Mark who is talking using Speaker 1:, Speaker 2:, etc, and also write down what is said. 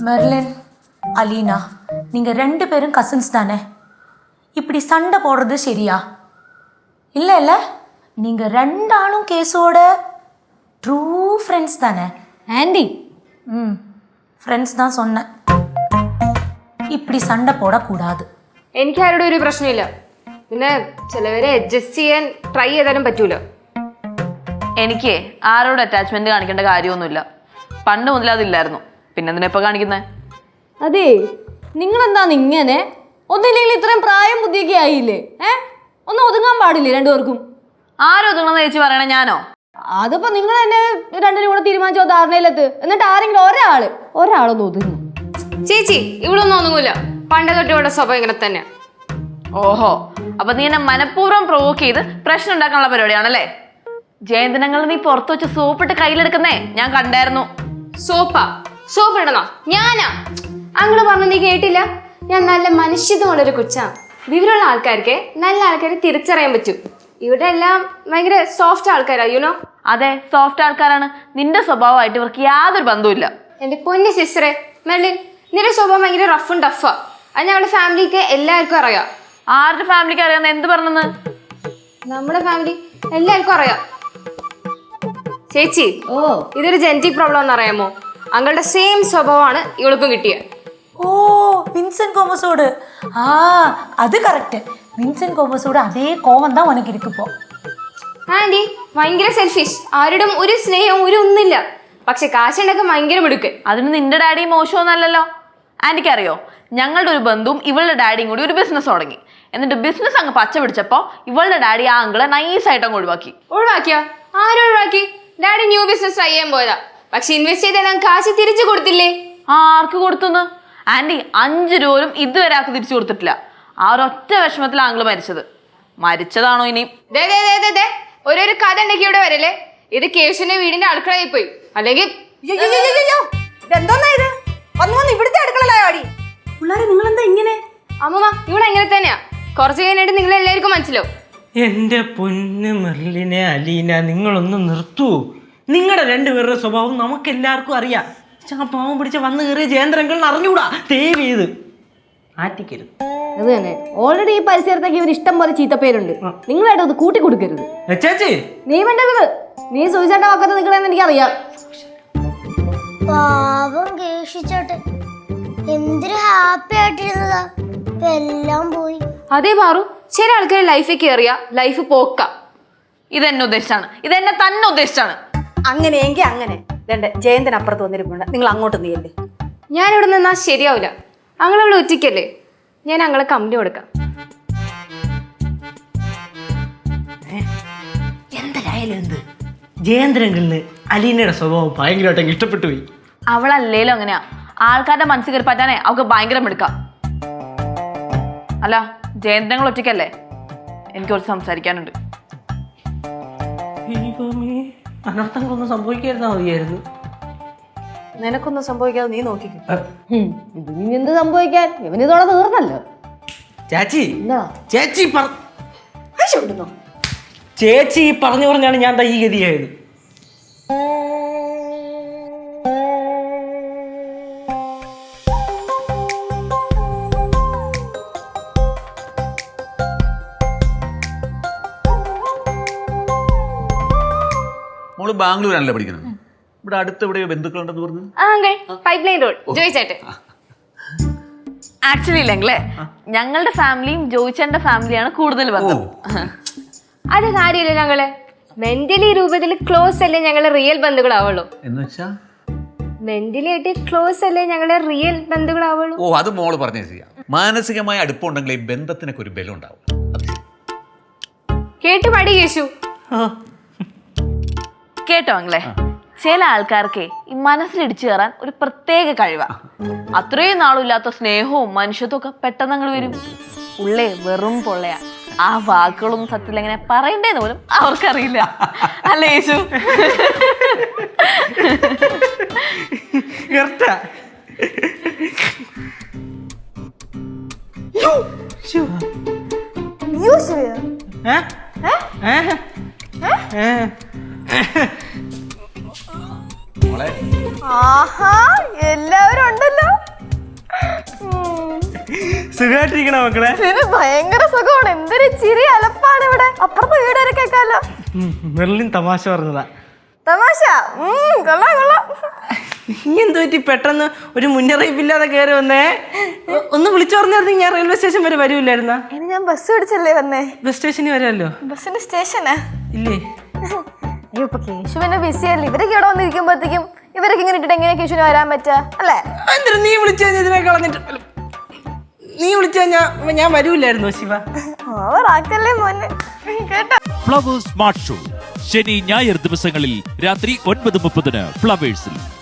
Speaker 1: Merlin, Alina, நீங்க 2 பேரும் cousins தானே? இப்படி சண்டை போடுறது சரியா? இல்லை இல்லை, நீங்க 2 ஆளும் கேஸோட ட்ரூ ஃப்ரெண்ட்ஸ் தானே?
Speaker 2: ஆண்டி,
Speaker 1: ഫ്രണ്ട്സ് தான் சொன்னேன். இப்படி சண்டை போടக்கூடாது.
Speaker 3: എനിക്ക് ആരോടും ഒരു പ്രശ്നമില്ല. പിന്നെ ചിലവരെ അഡ്ജസ്റ്റ് ചെയ്യാൻ ട്രൈ ചെയ്താലും പറ്റൂല.
Speaker 4: എനിക്ക് ആരോട് അറ്റാച്ച്മെന്റ് കാണിക്കേണ്ട കാര്യമൊന്നുമില്ല. പണ്ട് മുതൽ അതില്ലായിരുന്നു. പിന്നെ എന്തിനാ ഇപ്പൊ കാണിക്കുന്നേ?
Speaker 2: അതെ, നിങ്ങളെന്താന്ന് ഇങ്ങനെ? ഒന്നില്ലെങ്കിൽ ഇത്രയും പ്രായം ബുദ്ധിയൊക്കെ ആയില്ലേ? ഒന്ന് ഒതുങ്ങാൻ പാടില്ലേ രണ്ടുപേർക്കും?
Speaker 4: ആരൊതുങ്ങണമെന്ന് ചേച്ചി പറയണേ? ഞാനോ?
Speaker 2: അതിപ്പോ നിങ്ങൾ തന്നെ രണ്ടിനും കൂടെ തീരുമാനിച്ചോ ധാരണയിലെത്ത്. എന്നിട്ട് ആരെങ്കിലും ഒരാളൊന്ന് ഒതുങ്ങും.
Speaker 3: ചേച്ചി ഇവളൊന്നും ഒന്നുമില്ല. പണ്ട് തൊട്ട് ഇവിടെ സ്വഭാവം ഇങ്ങനെ തന്നെ.
Speaker 4: ഓഹോ, അപ്പൊ നീ എന്നെ മനഃപൂർവ്വം പ്രൊവോക്ക് ചെയ്ത് പ്രശ്നം ഉണ്ടാക്കാനുള്ള പരിപാടിയാണല്ലേ? ജയന്തിനങ്ങൾ നീ പുറത്തു വെച്ച് സോപ്പിട്ട് കയ്യിലെടുക്കുന്നേ ഞാൻ കണ്ടായിരുന്നു.
Speaker 3: സോപ്പ് ഇടണോ? ഞാനാ? അങ്ങള് പറഞ്ഞു നീ കേട്ടില്ല? ഞാൻ നല്ല മനുഷ്യത്വമുള്ളൊരു കൊച്ചാ. വിവരമുള്ള ആൾക്കാർക്ക് നല്ല ആൾക്കാരെ തിരിച്ചറിയാൻ പറ്റും. ഇവിടെ എല്ലാം ഭയങ്കര സോഫ്റ്റ് ആൾക്കാരാ, യുനോ.
Speaker 4: അതെ, സോഫ്റ്റ് ആൾക്കാരാണ്. നിന്റെ സ്വഭാവമായിട്ട് ഇവർക്ക് യാതൊരു ബന്ധവുമില്ല.
Speaker 3: എന്റെ പൊന്നു സിസ്റ്ററെ മെർലിൻ, നിന്റെ സ്വഭാവം ഭയങ്കര റഫും ടഫാ. അത് ഞങ്ങളുടെ ഫാമിലിക്ക് എല്ലാവർക്കും അറിയാം.
Speaker 4: ആരുടെ ഫാമിലിക്ക് അറിയാന്ന് എന്ത് പറഞ്ഞെന്ന്?
Speaker 3: നമ്മുടെ ഫാമിലി എല്ലാവർക്കും അറിയാം. ചേച്ചി, ഇതൊരു ജെനറ്റിക് പ്രോബ്ലം എന്ന് അറിയാമോ? അങ്ങളുടെ സെയിം സ്വഭാവമാണ് ഇവൾക്കും കിട്ടിയത്.
Speaker 1: ഓ, വിൻസെന്റ് കോമസോട്. അത് കറക്റ്റ്. വിൻസെന്റ് കോമസോട് അതേ കോപം தான் ഉനക്ക് ഇരിക്കുപ്പോ.
Speaker 3: ആന്റി ഭയങ്കര സെൽഫിഷ്. ആരോടും ഒരു സ്നേഹവും ഒരു ഒന്നുമില്ല. പക്ഷെ കാശുണ്ടൊക്കെ ഭയങ്കര മിടുക്ക്.
Speaker 4: അതിന് നിന്റെ ഡാഡി മോശമൊന്നല്ലല്ലോ. ആന്റിക്ക് അറിയോ, ഞങ്ങളുടെ ഒരു ബന്ധുവും ഇവളുടെ ഡാഡിയും കൂടി ഒരു ബിസിനസ് തുടങ്ങി. എന്നിട്ട് ബിസിനസ് അങ്ങ് പച്ച പിടിച്ചപ്പോ ഇവളുടെ ഡാഡി ആ അങ്കിളെ നൈസായിട്ട് അങ്ങ് ഒഴിവാക്കി.
Speaker 3: ഒഴിവാക്കിയോ? ആരൊഴിവാക്കി? ഡാഡി ന്യൂ ബിസിനസ് ട്രൈ ചെയ്യാൻ പോയതാ. പക്ഷെ ഇൻവെസ്റ്റ് ചെയ്താൽ കാശ് തിരിച്ചു കൊടുത്തില്ലേ?
Speaker 4: ആർക്ക് കൊടുത്തുന്ന്? ആന്റി 5 രൂപയും ഇതുവരെ ആൾക്ക് തിരിച്ചു കൊടുത്തിട്ടില്ല. ആ ഒരൊറ്റ വിഷമത്തിലാണ് അങ്കിള് മരിച്ചത്. മരിച്ചതാണോ ഇനി?
Speaker 3: ഓരോരു കഥ ഉണ്ടെങ്കിൽ ഇവിടെ വരല്ലേ. ഇത് കേശുവിന്റെ വീടിന്റെ അടുക്കളയിൽ പോയി. അല്ലെങ്കിൽ അമ്മമ്മ ഇവിടെ എങ്ങനെ തന്നെയാ. കുറച്ച് കഴിഞ്ഞിട്ട് നിങ്ങൾ എല്ലാവർക്കും മനസ്സിലാവും.
Speaker 5: എന്റെ പൊന്ന് മെർലിനെ, അലീന, നിങ്ങളൊന്ന് നിർത്തൂ. നിങ്ങളുടെ 2 പേരുടെ സ്വഭാവം നമുക്ക് എല്ലാവർക്കും അറിയാം. പാവം പിടിച്ച വന്നു കയറിയ ജയേന്ദ്രങ്ങളിൽ അറിഞ്ഞൂടാ. ദയവ് ചെയ്ത് ആറ്റിക്കരുത്.
Speaker 2: അത് തന്നെ, ഓൾറെഡി ഈ പരിസരത്തേക്ക് ഇവർ ഇഷ്ടം പോലെ ചീത്തപ്പേരുണ്ട്. നിങ്ങളായിട്ട് അത് കൂട്ടി കൊടുക്കരുത്.
Speaker 5: ചേച്ചി,
Speaker 2: നീ വേണ്ടത് നീ സൂചിച്ചാട്ട വാക്കത്ത് നിൽക്കണമെന്ന് എനിക്കറിയാം.
Speaker 6: പാവം കേശിച്ചോട്ടെ, എന്തൊരു ഹാപ്പി ആയിട്ടിരുന്നതാ. എല്ലാം പോയി.
Speaker 3: അതേ മാറു. ചില ആൾക്കാർ ലൈഫിൽ കയറിയ ലൈഫ് പോക്ക.
Speaker 4: ഇതെന്നെ ഉദ്ദേശിച്ചാണ്. ഇതെന്നെ തന്നെ ഉദ്ദേശിച്ചാണ്.
Speaker 7: അങ്ങനെയെങ്കിൽ അങ്ങനെ. ജയന്തൻ അപ്പുറത്ത് വന്നിരിപ്പുണ്ട്. നിങ്ങൾ അങ്ങോട്ട് നീയല്ലേ.
Speaker 3: ഞാനിവിടെ നിന്നാ ശരിയാവില്ല. അങ്ങളിവിടെ ഒറ്റയ്ക്കല്ലേ. ഞാൻ അങ്ങളെ കമ്പനി കൊടുക്കാം.
Speaker 5: എന്തായാലും എന്ത്, ജയേന്ദ്രങ്ങളില് അലീനയുടെ സ്വഭാവം ഭയങ്കരമായിട്ട് ഇഷ്ടപ്പെട്ടു പോയി.
Speaker 4: അവളല്ലേലും അങ്ങനെയാ. ആൾക്കാരുടെ മനസ്സിൽ കയറി പറ്റാനേ അവൾക്ക് ഭയങ്കര മിടുക്കാം. അല്ല, ജയന്ത്രങ്ങൾ ഒറ്റയ്ക്കല്ലേ? എനിക്ക് കുറച്ച് സംസാരിക്കാനുണ്ട്.
Speaker 5: അനർത്ഥങ്ങളൊന്നും സംഭവിക്കാതിരുന്നാ മതിയായിരുന്നു.
Speaker 7: നിനക്കൊന്നും സംഭവിക്കാതെ നീ നോക്കിക്കും.
Speaker 2: ഇനി എന്ത് സംഭവിക്കാൻ? ഇവനിതോടെ തീർന്നല്ലോ.
Speaker 5: ചേച്ചി, ചേച്ചി
Speaker 7: വിടുന്നു.
Speaker 5: ചേച്ചി പറഞ്ഞാണ് ഞാൻ ഈ ഗതിയായത്.
Speaker 8: മോള് ബാംഗ്ലൂരാണല്ലേ പഠിക്കുന്നത്? ഇവിടെ അടുത്ത് എവിടെയോ ബന്ധുക്കളുണ്ടെന്ന് പറഞ്ഞു.
Speaker 3: പൈപ്പ് ലൈൻ റോഡ് ജോയിച്ചേട്ടെ.
Speaker 4: ആക്ച്വലി ഇല്ലെങ്കിലേ ഞങ്ങളുടെ ഫാമിലിയും ജോയിച്ചേന്റെ ഫാമിലിയാണ് കൂടുതൽ ബന്ധം.
Speaker 3: അത് കാര്യമില്ല. ഞങ്ങള് മെന്റലി രൂപത്തിൽ ക്ലോസ് അല്ലേ ഞങ്ങളെ റിയൽ ബന്ധുക്കളാവുള്ളൂ.
Speaker 8: എന്ന് വെച്ചാ
Speaker 3: മെന്റലി ആയിട്ട് ക്ലോസ് അല്ലേ ഞങ്ങളെ റിയൽ ബന്ധുക്കളാവുള്ളൂ.
Speaker 8: ഓ, അത് മോള് പറഞ്ഞേ ചെയ്യാം. മാനസികമായ അടുപ്പമുണ്ടെങ്കിൽ ഈ ബന്ധത്തിനൊക്കെ ഒരു ബലം ഉണ്ടാവും.
Speaker 3: കേട്ടു പടി കേശു.
Speaker 4: കേട്ടോ അങ്ങളെ, ചില ആൾക്കാർക്ക് ഈ മനസ്സിലിടിച്ചു കയറാൻ ഒരു പ്രത്യേക കഴിവാ. അത്രയും നാളില്ലാത്ത സ്നേഹവും മനുഷ്യത്വം ഒക്കെ പെട്ടെന്ന് അങ്ങോട്ട് വരും. ഉള്ളേ വെറും പൊള്ളയാ. ആ വാക്കുകളൊന്നും സത്യത്തിൽ എങ്ങനെ പറയണ്ടേന്ന് പോലും അവർക്കറിയില്ല. അല്ലേ യേശു?
Speaker 7: ആഹാ, എല്ലാവരും ഉണ്ടല്ലോ.
Speaker 5: സുഖമായിട്ടിരിക്കണ മക്കളെ?
Speaker 2: ഭയങ്കര സുഖമാണ്. എന്തൊരു ചിരി അലപ്പാണ് ഇവിടെ. അപ്പുറത്തെ വീട് വരെ കേൾക്കാലോ.
Speaker 5: മെർലിൻ തമാശ പറഞ്ഞതാ.
Speaker 2: തമാശ കൊള്ളാം കൊള്ളാം.
Speaker 5: നീ എന്ത് പറ്റി പെട്ടെന്ന് ഒരു മുന്നറിയിപ്പില്ലാതെ കയറി വന്നേ? ഒന്ന് വിളിച്ചു പറഞ്ഞായിരുന്നു ഞാൻ റെയിൽവേ സ്റ്റേഷൻ വരെ വരൂല്ലായിരുന്ന?
Speaker 2: ഇനി ഞാൻ ബസ് പിടിച്ചല്ലേ വന്നേ.
Speaker 5: ബസ് സ്റ്റേഷനിൽ വരാമല്ലോ.
Speaker 2: ബസ്സിന്റെ സ്റ്റേഷനാ
Speaker 5: ഇല്ലേ?
Speaker 2: അയ്യോ ഇപ്പൊ കേശു പിന്നെ ബിസി അല്ലേ. ഇവരൊക്കെ ഇവിടെ വന്നിരിക്കുമ്പോഴത്തേക്കും ഇവരൊക്കെ ഇങ്ങനെ ഇട്ടിട്ട് എങ്ങനെ കേശുവിന് വരാൻ പറ്റാ അല്ലേ?
Speaker 5: എന്തിനാ നീ വിളിച്ചു കഴിഞ്ഞാൽ ഇതിനെ കളഞ്ഞിട്ട്? നീ വിളിച്ചു കഴിഞ്ഞാ ഞാൻ വരൂല്ലായിരുന്നു ശിവ.
Speaker 2: ഓവറാക്കല്ലേ മോനെ കേട്ടോ.
Speaker 9: ഫ്ലവേഴ്സ് സ്മാർട്ട് ഷോ ശനി ഞായർ ദിവസങ്ങളിൽ രാത്രി 9:30 ഫ്ലവേഴ്സിൽ.